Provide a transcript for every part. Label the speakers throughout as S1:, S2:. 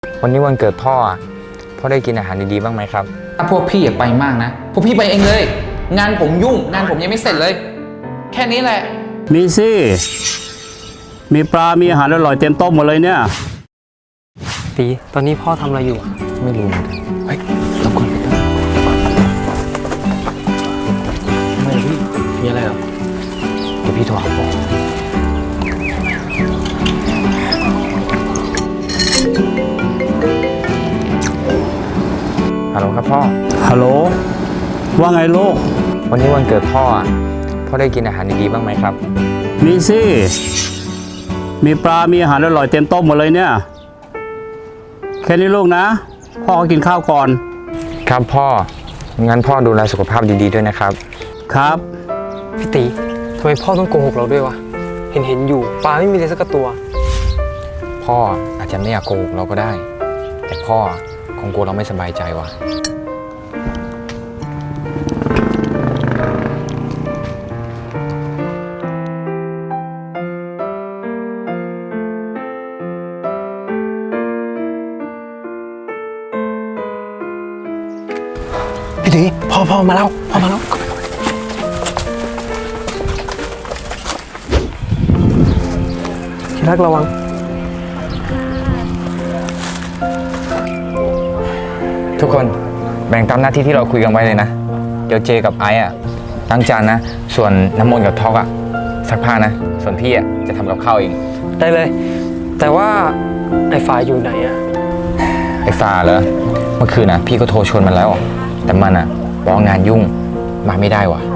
S1: วันนี้วันเกิดพ่อพ่อได้กินอาหารดีๆบ้างไหมครับ
S2: ถ้าพวกพี่อย่าไปมากนะพวกพี่ไปเองเลย งานผมยุ่งงานผมยังไม่เสร็จเลย แค่นี้แหละ
S3: มีสิมีปลา มีอาหารอร่อยเต็มโต๊ะหมดเลยเนี่ย
S4: ตีตอนนี้พ่อทำอะไรอยู่
S1: ไม่รู้เหมือนกันเฮ้ยรบกวนไปด้วย
S4: ไม่พี่มีอะไรหรอ
S1: เดี๋ยวพี่โทรหาพ่อฮัลโหลครับพ่อ
S3: ฮัลโหลว่าไงลูก
S1: วันนี้วันเกิดพ่อพ่อได้กินอาหารดีๆบ้างไหมครับ
S3: มีสิมีปลา มีอาหารอร่อยเต็มโต๊ะหมดเลยเนี่ยแค่นี้ลูกนะพ่อก็กินข้าวก่อน
S1: ครับพ่องั้นพ่อดูแลสุขภาพดีๆด้วยนะครับ
S3: ครับ
S4: พี่ตีทำไมพ่อต้องโกหกเราด้วยวะเห็นอยู่ปลาไม่มีเลยสักตัว
S1: พ่ออาจจะไม่อยากโกหกเราก็ได้แต่พ่อคงกลัวเราไม่สบายใจว่ะ
S4: พี่ตีพ่อมาแล้วที่รักระวัง
S1: ทุกคนแบ่งตามหน้าที่ที่เราคุยกันไว้เลยนะเดี๋ยวเจกับไอ้ล้างจานนะส่วนน้ำมนต์กับท็อกซักผ้านะส่วนพี่จะทำกับข้าวเอง
S4: ได้เลยแต่ว่าไอ้ฝ่ายอยู่ไหน
S1: ไอ้ฟ้าเหรอเมื่อคืนพี่ก็โทรชวนมันแล้วแต่มันบอกงานยุ่งมาไม่ได้ว่ะ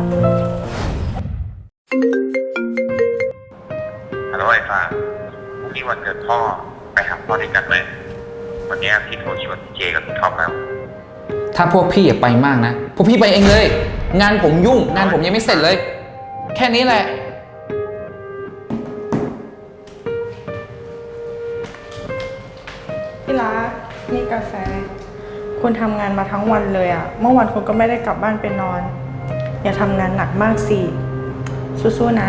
S5: ฮัลโหลไอ้ฟ้าพรุ่งนี้วันเกิดพ่อไปหาพ่อด้วยกันไหมวันนี้พี่โทรชวนเจกับพี่ท็อปแล้ว
S2: ถ้าพวกพี่อย่าไปมากนะพวกพี่ไปเองเลย งานผมยุ่งงานผมยังไม่เสร็จเลย แค่นี้แหละ
S6: พี่รักนี่กาแฟคุณทำงานมาทั้งวันเลยอะเมื่อวานคุณก็ไม่ได้กลับบ้านไปนอนอย่าทำงานหนักมากสิสู้ๆนะ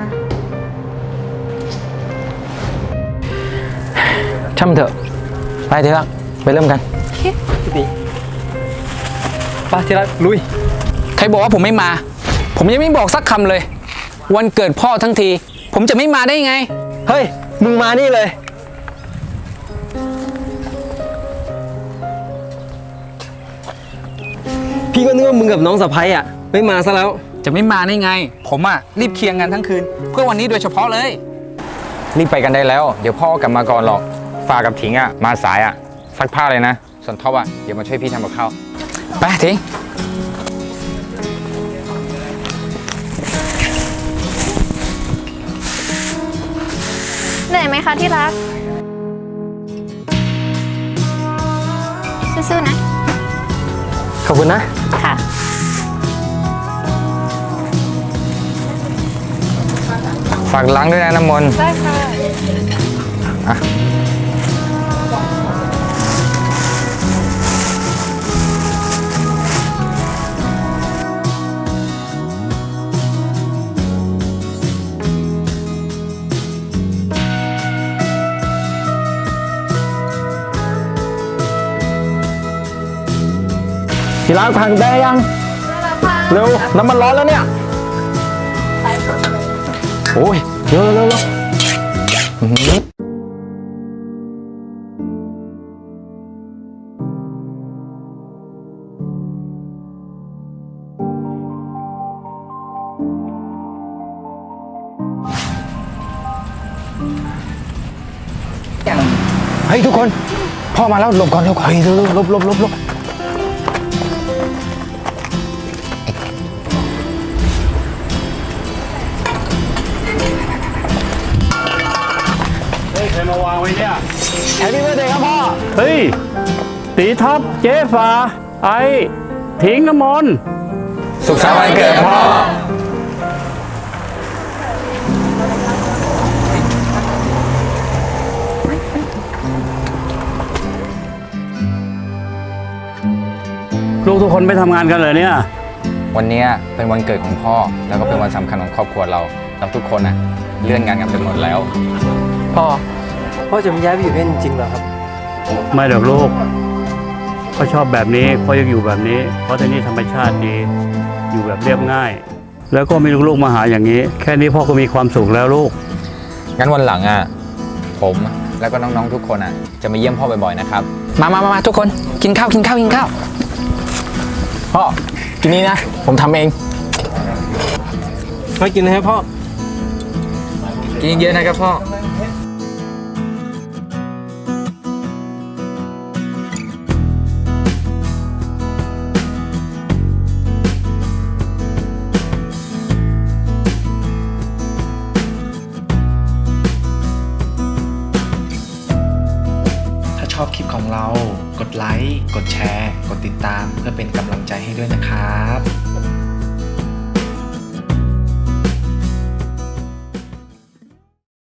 S4: ช่างมันเถอะไปที่รักไปเริ่มกันพี่ตีไปที่รักลุย
S2: ใครบอกว่าผมไม่มาผมยังไม่บอกสักคำเลยวันเกิดพ่อทั้งทีผมจะไม่มาได้ไง
S4: เฮ้ยมึงมานี่เลยพี่ก็นึกว่ามึงกับน้องสะใภ้ไม่มาซะแล้ว
S2: จะไม่มาได้ไงผมรีบเคลียร์งานทั้งคืนเพื่อวันนี้โดยเฉพาะเลย
S1: รีบไปกันได้แล้วเดี๋ยวพ่อกลับมาก่อนหรอกฟ้ากับถิงมาสายซักผ้าเลยนะส่วนท็อปเดี๋ยวมาช่วยพี่ทำกับข้าว
S2: ไปถิง
S7: เหนื่อยไหมคะที่รักสู้ๆนะ
S4: ขอบคุณนะ
S7: ค่ะ
S1: ฝากล้างด้วยนะน้ำมนต์
S7: ได้ค่ะ
S4: ที่ร้านพังได้ยังเร็วน้ำมันร้อนแล้วเนี่ยโอ้ยเร็ว
S1: เฮ้ยทุกคนพ่อมาแล้วหลบก่อนหลบ
S4: ลบ
S3: ใครมาวางไว้เนี่ย
S4: แฮปปี้เบิร์ธเดย์ครับพ่อ
S3: เฮ้ยตีท็อปเจ๊ฟ้าไอ้ถิงน้ำมนต์
S1: สุขสันต์วันเกิดพ่อ
S3: ลูกทุกคนไม่ทำงานกันเลยเนี่ย
S1: วันนี้เป็นวันเกิดของพ่อแล้วก็เป็นวันสำคัญของครอบครัวเราทุกคนเลื่อนงานกันไปหมดแล้ว
S4: พ่อจะไม่ย้ายไปอยู่นี่จริงๆเหรอครับ
S3: ไม่หรอกลูกพ่อชอบแบบนี้พ่ออยากอยู่แบบนี้ เพราะที่นี่ธรรมชาติดี อยู่แบบเรียบง่าย แล้วก็มีลูกๆมาหาอย่างนี้ แค่นี้พ่อก็มีความสุขแล้วลูก
S1: งั้นวันหลังอ่ะผมแล้วก็น้องๆทุกคนอ่ะจะมาเยี่ยมพ่อบ่อยๆนะครับ
S2: มาทุกคน กินข้าว
S4: พ่อ กินนี้นะ ผมทำเองไม่กินให้พ่อ
S2: กินเยอะนะครับพ่อ
S8: ถ้าชอบคลิปของเรา กดไลค์ กดแชร์ กดติดตามเพื่อเป็นกำลังใจให้ด้วยนะครับ